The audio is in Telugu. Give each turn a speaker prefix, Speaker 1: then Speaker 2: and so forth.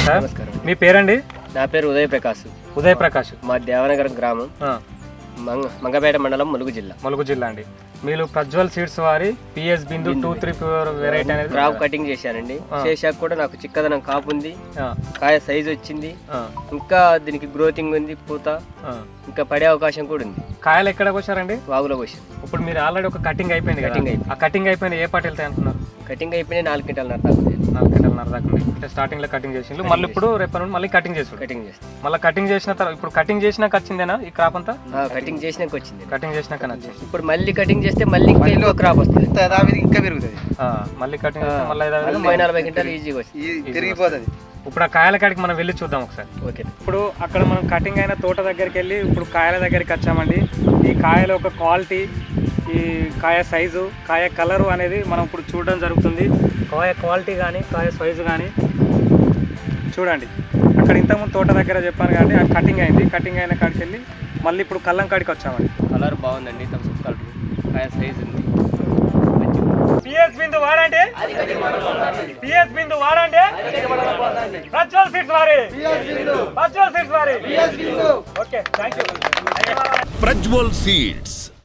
Speaker 1: సార్.
Speaker 2: నమస్కారం.
Speaker 1: మీ పేరండి?
Speaker 2: నా పేరు ఉదయ్ ప్రకాష్.
Speaker 1: ఉదయ్ ప్రకాష్.
Speaker 2: మా దేవనగరం గ్రామం, మంగపేట మండలం, ములుగు జిల్లా.
Speaker 1: ములుగు జిల్లా అండి. మీరు ప్రజ్వల్ సీడ్స్ వారి పిఎస్ బిందు 234 వెరైటీ అనేది
Speaker 2: క్రాప్ కటింగ్ చేశానండి. చేశాక కూడా నాకు చిక్కదనం కాపు ఉంది, కాయ సైజ్ వచ్చింది, ఇంకా దీనికి గ్రోతింగ్ ఉంది, పూత ఇంకా పడే అవకాశం కూడా ఉంది.
Speaker 1: కాయలు ఎక్కడ కోసారండి?
Speaker 2: వాగులో కోసాం.
Speaker 1: ఇప్పుడు మీరు ఆల్రెడీ ఒక కటింగ్ అయిపోయింది కదా? ఆ కటింగ్ అయిపోయింది ఏ పాట వెళ్తాయి అనుకున్నారు?
Speaker 2: కటింగ్ అయిపోయినాయి 4 క్వింటాల దాకా.
Speaker 1: 4 క్వింటాల దాకా ఉంది. అంటే స్టార్టింగ్ లో కటింగ్ చేసిండు, మళ్ళీ ఇప్పుడు రేపు నుండి మళ్ళీ కటింగ్ చేసి
Speaker 2: కటింగ్ చేస్తాం.
Speaker 1: మళ్ళీ కటింగ్ చేసిన తర్వాత ఇప్పుడు కటింగ్ చేసినాక వచ్చిందేనా ఈ క్రాప్ అంతా?
Speaker 2: కటింగ్ చేసినాక వచ్చింది.
Speaker 1: కటింగ్ చేసినాక వచ్చింది.
Speaker 2: ఇప్పుడు మళ్ళీ కటింగ్ చేస్తే మళ్ళీ ఇంకా క్రాప్ వస్తుంది, ఇంకా పెరుగుతుంది.
Speaker 1: మళ్ళీ కటింగ్ చేస్తే మళ్ళీ
Speaker 2: 40 క్వింటాలు ఈజీగా వస్తుంది, తిరిగిపోతుంది.
Speaker 1: ఇప్పుడు ఆ కాయల కాడికి మనం వెళ్ళి చూద్దాం ఒకసారి.
Speaker 2: ఓకే.
Speaker 1: ఇప్పుడు అక్కడ మనం కటింగ్ అయిన తోట దగ్గరికి వెళ్ళి ఇప్పుడు కాయల దగ్గరికి వచ్చామండి. ఈ కాయల ఒక క్వాలిటీ, ఈ కాయ సైజు, కాయ కలరు అనేది మనం ఇప్పుడు చూడడం జరుగుతుంది. కాయ క్వాలిటీ కానీ కాయ సైజు కానీ చూడండి. అక్కడ ఇంతకుముందు తోట దగ్గర చెప్పాను కాబట్టి అది కటింగ్ అయింది. కటింగ్ అయిన కాడికి వెళ్ళి మళ్ళీ ఇప్పుడు కల్లం కాడికి వచ్చామండి.
Speaker 2: కలర్ బాగుందండి, థమ్స్ కలర్, కాయ సైజు ఉంది.
Speaker 1: పిఎస్ బిందు వాడండి, పిఎస్ బిందు వాడండి. ప్రజ్వల్ సీడ్స్ వారి, ప్రజ్వల్ సీడ్స్ వారి. Okay, thank you.
Speaker 3: ప్రజ్వల్ సీడ్స్.